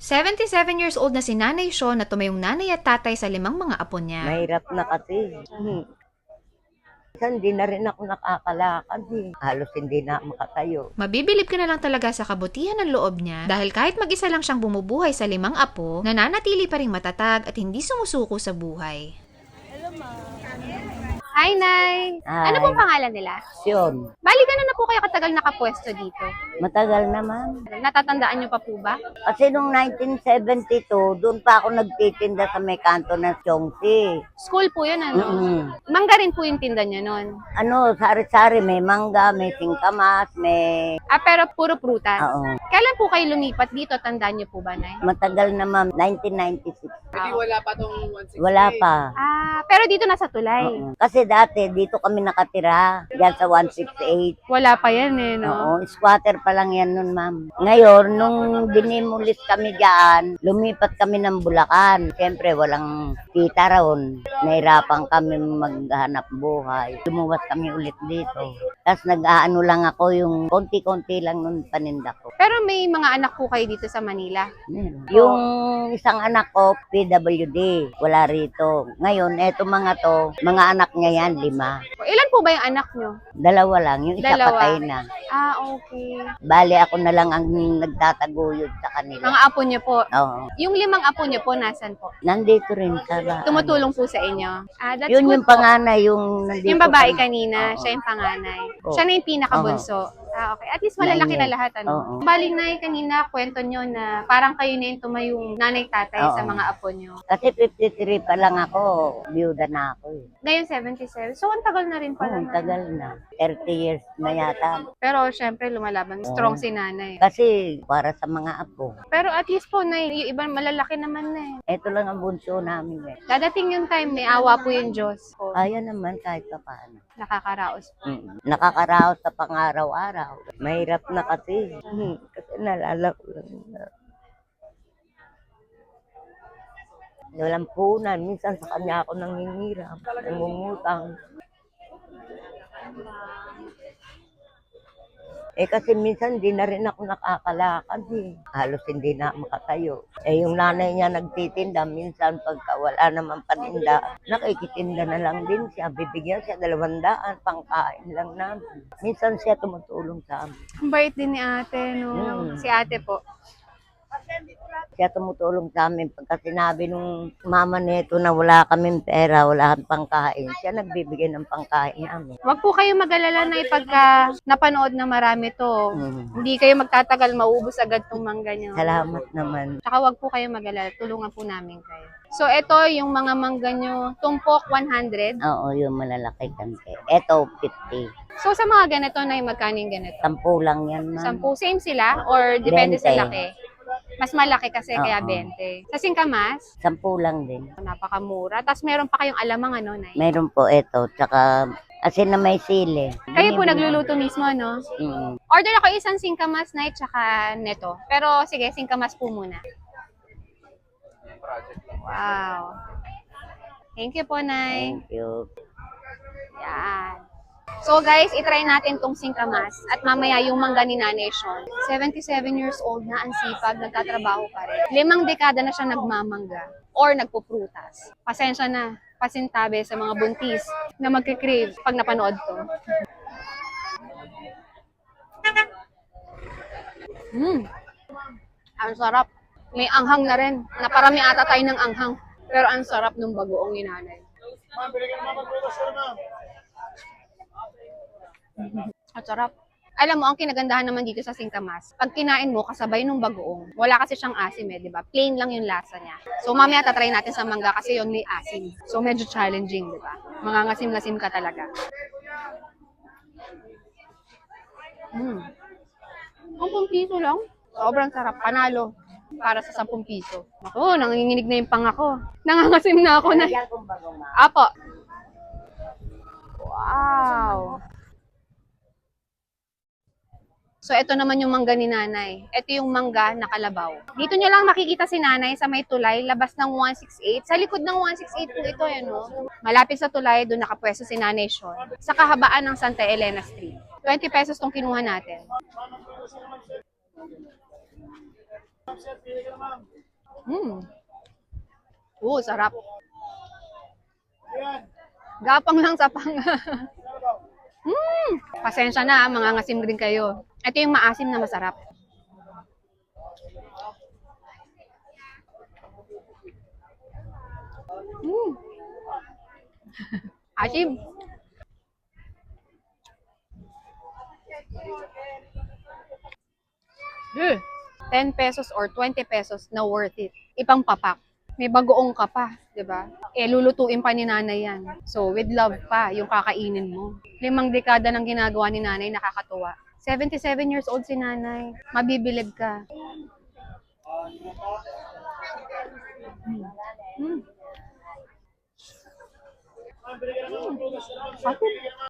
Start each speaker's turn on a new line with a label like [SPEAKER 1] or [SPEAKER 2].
[SPEAKER 1] 77 years old na si Nanay Shaw na tumayong nanay at tatay sa 5 mga apo niya.
[SPEAKER 2] Mahirap na kasi. Minsan hindi na rin ako nakakalakad eh. Halos hindi na makatayo.
[SPEAKER 1] Mabibilib ka na lang talaga sa kabutihan ng loob niya dahil kahit mag-isa lang siyang bumubuhay sa 5 apo, nananatili pa rin matatag at hindi sumusuko sa buhay.
[SPEAKER 3] Hi, Nay!
[SPEAKER 2] Hi.
[SPEAKER 3] Ano pong pangalan nila?
[SPEAKER 2] Yun,
[SPEAKER 3] Bali, gano'n na po kayo katagal nakapwesto dito?
[SPEAKER 2] matagal naman.
[SPEAKER 3] Natatandaan niyo pa po ba?
[SPEAKER 2] Kasi nung 1972, doon pa ako nagtitinda sa may kanto ng Chongsi.
[SPEAKER 3] School po yun, ano?
[SPEAKER 2] Mm.
[SPEAKER 3] Mangga rin po yung tinda niya nun.
[SPEAKER 2] Ano, sari-sari, may mangga, may singkamas, may...
[SPEAKER 3] Pero puro prutas.
[SPEAKER 2] Oo.
[SPEAKER 3] Kailan po kayo lumipat dito? Tandaan niyo po ba, Nay?
[SPEAKER 2] Matagal naman, 1996.
[SPEAKER 4] Wala pa tong 168.
[SPEAKER 2] Wala pa.
[SPEAKER 3] Pero dito nasa tulay.
[SPEAKER 2] Oo. Kasi dati, dito kami nakatira, dyan sa 168.
[SPEAKER 3] Wala pa yan eh, no?
[SPEAKER 2] Oo, squatter pa lang yan nun, ma'am. Ngayon, nung dinimulis kami dyan, lumipat kami ng Bulacan. Siyempre, walang kita raon. Nahirapan kami maghanap buhay. Lumuwas kami ulit dito. Tapos nag-aano lang ako, yung konti-konti lang nun paninda ko.
[SPEAKER 3] Pero may mga anak po kayo dito sa Manila.
[SPEAKER 2] Meron. Yung isang anak ko, PWD, wala rito. Ngayon, eto mga to, mga anak niya yan, 5.
[SPEAKER 3] Ilan po ba yung anak niyo?
[SPEAKER 2] 2 lang, yung isa
[SPEAKER 3] Dalawa.
[SPEAKER 2] patay na.
[SPEAKER 3] Okay.
[SPEAKER 2] Bali, ako na lang ang nagtataguyod sa kanila.
[SPEAKER 3] Mga apo niyo po.
[SPEAKER 2] Oo.
[SPEAKER 3] Yung 5 apo niyo po, nasan po?
[SPEAKER 2] Nandito rin sa
[SPEAKER 3] Tumutulong po sa inyo. That's
[SPEAKER 2] Yun
[SPEAKER 3] good
[SPEAKER 2] yung
[SPEAKER 3] po.
[SPEAKER 2] panganay, yung nandito.
[SPEAKER 3] Yung babae
[SPEAKER 2] kami.
[SPEAKER 3] kanina,
[SPEAKER 2] Oo.
[SPEAKER 3] siya yung panganay.
[SPEAKER 2] Oo.
[SPEAKER 3] Siya na yung pinakabunso. Okay. At least malalaki na lahat, ano?
[SPEAKER 2] Oo.
[SPEAKER 3] Baling na kanina, kwento nyo na parang kayo na yung tumayong nanay-tatay sa
[SPEAKER 2] Oo.
[SPEAKER 3] mga apo nyo.
[SPEAKER 2] Kasi 53 pa lang ako, byuda na ako eh.
[SPEAKER 3] Ngayon, 77. So, ang tagal na rin pala.
[SPEAKER 2] Oo, tagal na. 30 years na yata.
[SPEAKER 3] Pero, syempre, lumalaban. Strong si nanay.
[SPEAKER 2] Kasi para sa mga apo.
[SPEAKER 3] Pero at least po, na yung iba malalaki naman na eh.
[SPEAKER 2] Ito lang ang bunso namin eh.
[SPEAKER 3] Dadating yung time, may awa po yung Diyos. Po.
[SPEAKER 2] Ayan naman kahit pa paano.
[SPEAKER 3] Nakakaraos po.
[SPEAKER 2] Nakakaraos sa pang-araw-araw. Mahirap na kasi. Kasi nalala ko lang na. Walang punan. Minsan sa kanya ako nangingiram. Nangungutang. Kasi minsan hindi na rin ako nakakalakad eh. Halos hindi na makatayo. Yung nanay niya nagtitinda, minsan pagka wala naman paninda, nakikitinda na lang din siya. Bibigyan siya 200, pangkain lang namin. Minsan siya tumutulong sa amin.
[SPEAKER 3] Ang bait din ni ate, no? Si ate po.
[SPEAKER 2] Siya tumutulong sa amin pagka sinabi nung mama nito na wala kaming pera, wala kaming pangkain. Siya nagbibigay ng pangkain namin.
[SPEAKER 3] Huwag po kayo mag-alala na pagka napanood na marami to. Hindi kayo magtatagal, maubos agad tong mangga nyo.
[SPEAKER 2] Salamat naman.
[SPEAKER 3] Tsaka huwag po kayo mag-alala, tulungan po namin kayo. So, ito yung mga mangga nyo, tumpok 100.
[SPEAKER 2] Oo, yung malalaki kante. Eto, 50.
[SPEAKER 3] So, sa mga ganito na yung magkano yung ganito?
[SPEAKER 2] 10 lang yan, ma'am.
[SPEAKER 3] 10, same sila? Or depende sa
[SPEAKER 2] 20.
[SPEAKER 3] laki? Mas malaki kasi kaya
[SPEAKER 2] Oo.
[SPEAKER 3] 20. Sa singkamas,
[SPEAKER 2] 10 lang din.
[SPEAKER 3] napakamura. Tapos meron pa kayong alamang ano, Nay?
[SPEAKER 2] Mayroon po ito, tsaka asin na may sili.
[SPEAKER 3] Kayo po nagluluto mismo, no?
[SPEAKER 2] Mm.
[SPEAKER 3] Order ako isang singkamas, Nay, tsaka neto. Pero sige, singkamas po muna. Wow. Thank you po, Nay.
[SPEAKER 2] Thank you.
[SPEAKER 3] Yan. So guys, itry natin tong singkamas at mamaya yung mangga ni Nanay Shaw. 77 years old na, ang sipag, nagtatrabaho pa rin. 5 dekada na siya nagmamangga or nagpuprutas. Pasensya na, pasintabi sa mga buntis na magkikrave pag napanood to. Ang sarap. May anghang na rin. Naparami ata tayo ng anghang. Pero ang sarap ng bagoong ni Nanay. Ang sarap. Alam mo, ang kinagandahan naman dito sa singkamas, pag kinain mo, kasabay nung bagoong. Wala kasi siyang asim di ba? Plain lang yung lasa niya. So, mamaya tatry natin sa mangga kasi yun may asim. So, medyo challenging, di ba? Mangangasim-ngasim ka talaga. Ang 10 piso lang. Sobrang sarap. Panalo. Para sa 10 piso. Ako, nanginginig na yung pang ako. Nangangasim na ako na.
[SPEAKER 2] Yan kung bago, ma'am.
[SPEAKER 3] Apo. Wow. So, ito naman yung mangga ni Nanay. Ito yung mangga na kalabaw. Dito nyo lang makikita si Nanay sa may tulay, labas ng 168. Sa likod ng 168 po ito, yan o. Malapit sa tulay, doon nakapwesto si Nanay Shaw. Sa kahabaan ng Santa Elena Street. 20 pesos tong kinuha natin. Sarap. Gapang lang sa pang. Pasensya na, mga ngasim din kayo. Ito yung maasim na masarap. Asim. 10 pesos or 20 pesos na worth it. Ipang papak. May bagoong ka pa, di ba? Lulutuin pa ni nanay yan. So, with love pa, yung kakainin mo. 5 dekada ng ginagawa ni nanay, nakakatuwa. 77 years old si nanay. Mabibilib ka. Asin.